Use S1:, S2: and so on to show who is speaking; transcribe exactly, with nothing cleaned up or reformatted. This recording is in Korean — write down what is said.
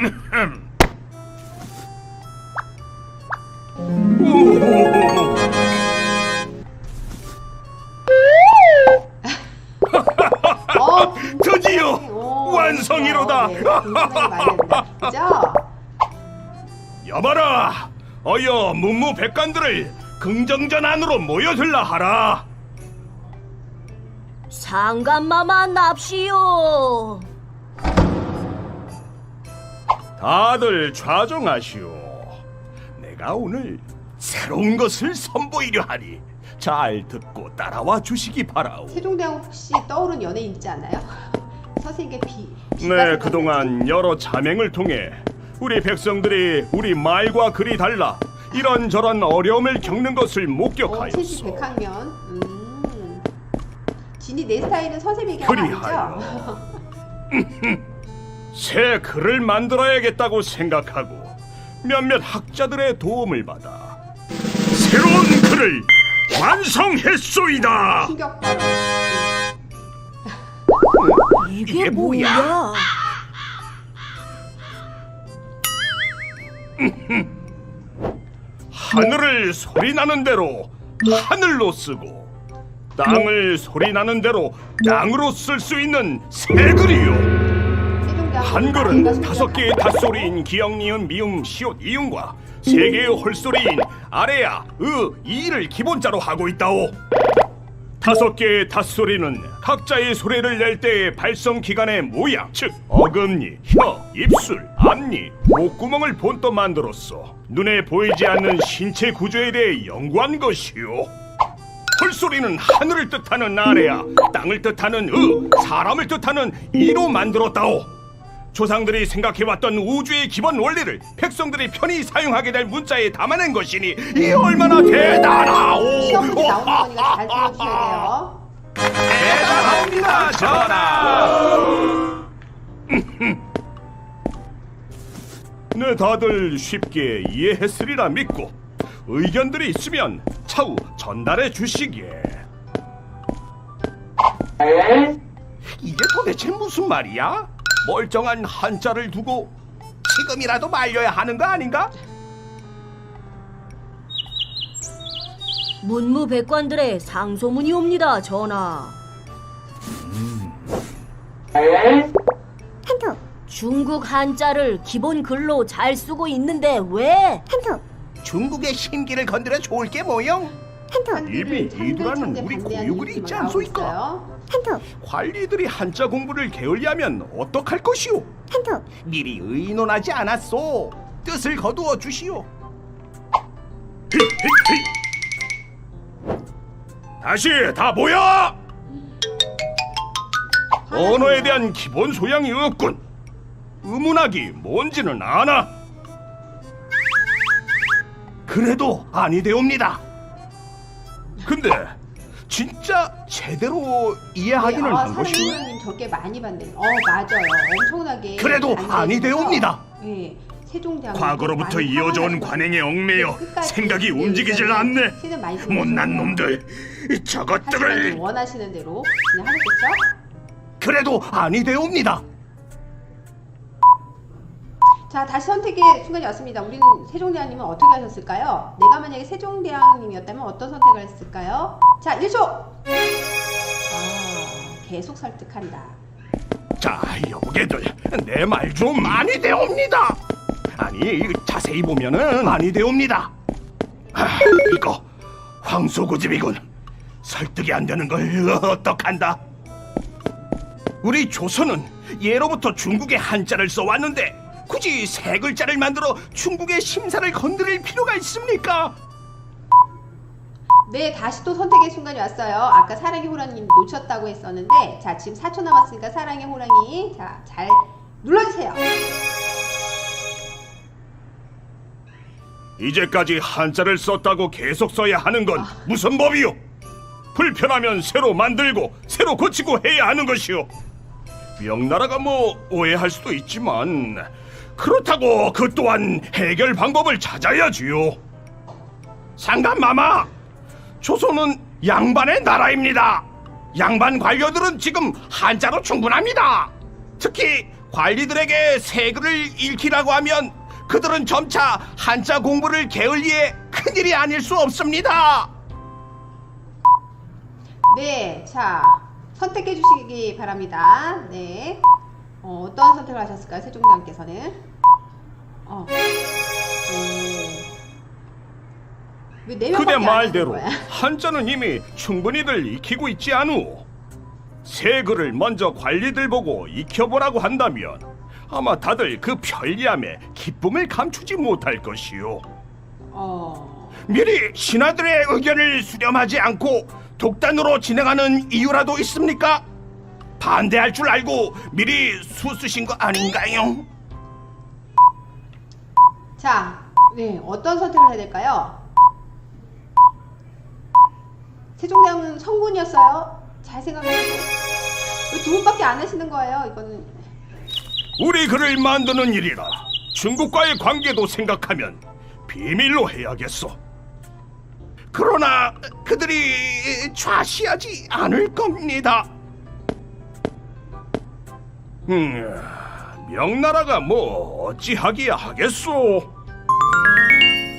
S1: 어,
S2: 드디어
S1: 오,
S2: 완성이로다.
S1: 네, 굉장히 많이 됩니다. 그죠?
S2: 여봐라, 어여 문무백관들을 긍정전 안으로 모여들라 하라.
S3: 상감마마 납시오.
S2: 다들 좌정하시오. 내가 오늘 새로운 것을 선보이려 하니 잘 듣고 따라와 주시기 바라오.
S1: 세종대왕 혹시 떠오른 연예인 있지 않아요? 선생님께 비, 비
S2: 네, 그동안 여러 자맹을 통해 우리 백성들이 우리 말과 글이 달라 이런저런 어려움을 겪는 것을
S1: 어,
S2: 목격하였소.
S1: 천지백학년. 음. 진이 내 스타일은 선생님 얘기하는 거
S2: 그리하여
S1: 아니죠?
S2: 새 글을 만들어야겠다고 생각하고 몇몇 학자들의 도움을 받아 새로운 글을 완성했소이다.
S1: 충격 발언.
S3: 이게,
S2: 이게 뭐야?
S3: 뭐야?
S2: 하늘을 소리나는 대로 하늘로 쓰고 땅을 소리나는 대로 땅으로 쓸 수 있는 새 글이요.
S1: 세종대왕
S2: 한글은 다섯 개의 닷소리인 기역, 니은, 미음, 시옷, 이음과 세 개의 홀소리인 아래야, 으, 이를 기본자로 하고 있다오. 다섯 개의 닷소리는 각자의 소리를 낼 때의 발성 기관의 모양, 즉 어금니, 혀, 입술, 앞니, 목구멍을 본떠 만들었어. 눈에 보이지 않는 신체 구조에 대해 연구한 것이요. 홀소리는 하늘을 뜻하는 아래야, 땅을 뜻하는 으, 사람을 뜻하는 이로 만들었다오. 조상들이 생각해왔던 우주의 기본 원리를 백성들이 편히 사용하게 될 문자에 담아낸 것이니 이 얼마나 대단하오!
S1: 시험 문제 나오는 거니까 잘 들어주셔야 돼요.
S2: 대단합니다, 전하! 네, 다들 쉽게 이해했으리라 믿고 의견들이 있으면 차후 전달해 주시게. 이게 도대체 무슨 말이야? 멀쩡한 한자를 두고 지금이라도 말려야 하는 거 아닌가?
S3: 문무백관들의 상소문이 옵니다, 전하.
S4: 한톡
S3: 중국 한자를 기본 글로 잘 쓰고 있는데 왜?
S4: 한톡
S2: 중국의 신기를 건드려 좋을 게 뭐용?
S4: 한톡
S2: 이미 이두라는 우리 고유글이 있지 않소이까?
S4: 한톡
S2: 관리들이 한자 공부를 게을리하면 어떡할 것이오?
S4: 한톡
S2: 미리 의논하지 않았소. 뜻을 거두어 주시오. 다시 다 모여! 언어에 대한 기본 소양이 없군. 의문학이 뭔지는 아나? 그래도 아니되옵니다. 근데 진짜 제대로 이해하기는
S1: 네, 아,
S2: 한 것이오.
S1: 사랑님 저게 많이 받네요. 어, 맞아요. 엄청나게.
S2: 그래도
S1: 안
S2: 아니되옵니다.
S1: 네, 세종대왕.
S2: 과거로부터 이어져온 관행에 얽매여 생각이 움직이질 않네. 못난 놈들, 이 저것들을.
S1: 원하시는 대로 그냥 하겠죠?
S2: 그래도 아니되옵니다.
S1: 자, 다시 선택의 순간이 왔습니다. 우리는 세종대왕님은 어떻게 하셨을까요? 내가 만약에 세종대왕님이었다면 어떤 선택을 했을까요? 자, 일 초! 아, 계속 설득한다.
S2: 자, 여보게들, 내 말 좀 아니되옵니다. 아니, 자세히 보면은 아니되옵니다. 아, 이거 황소고집이군. 설득이 안 되는 걸 어떡한다? 우리 조선은 예로부터 중국의 한자를 써왔는데 굳이 세 글자를 만들어 중국의 심사를 건드릴 필요가 있습니까?
S1: 네, 다시 또 선택의 순간이 왔어요. 아까 사랑의 호랑이 놓쳤다고 했었는데, 자, 지금 사 초 남았으니까 사랑의 호랑이, 자, 잘 눌러주세요.
S2: 이제까지 한자를 썼다고 계속 써야 하는 건 무슨 법이요? 불편하면 새로 만들고 새로 고치고 해야 하는 것이요. 명나라가 뭐 오해할 수도 있지만 그렇다고 그 또한 해결 방법을 찾아야지요. 상감마마, 조선은 양반의 나라입니다. 양반 관료들은 지금 한자로 충분합니다. 특히 관리들에게 세글을 읽히라고 하면 그들은 점차 한자 공부를 게을리해 큰일이 아닐 수 없습니다.
S1: 네, 자 선택해 주시기 바랍니다. 네, 어, 어떤 선택을 하셨을까요, 세종대왕께서는? 어, 왜네 명밖에
S2: 그대
S1: 안
S2: 말대로
S1: 하는 거야?
S2: 한자는 이미 충분히들 익히고 있지 않우. 세 글을 먼저 관리들 보고 익혀보라고 한다면 아마 다들 그 편리함에 기쁨을 감추지 못할 것이요.
S1: 어,
S2: 미리 신하들의 의견을 수렴하지 않고 독단으로 진행하는 이유라도 있습니까? 반대할 줄 알고 미리 수쓰신 거 아닌가요?
S1: 자, 네, 어떤 선택을 해야 될까요? 세종대왕은 성군이었어요. 잘 생각해보세요. 왜 두 분밖에 안 하시는 거예요? 이거는
S2: 우리 글을 만드는 일이라 중국과의 관계도 생각하면 비밀로 해야겠어. 그러나 그들이 좌시하지 않을 겁니다. 음, 명나라가 뭐 어찌하기야 하겠소.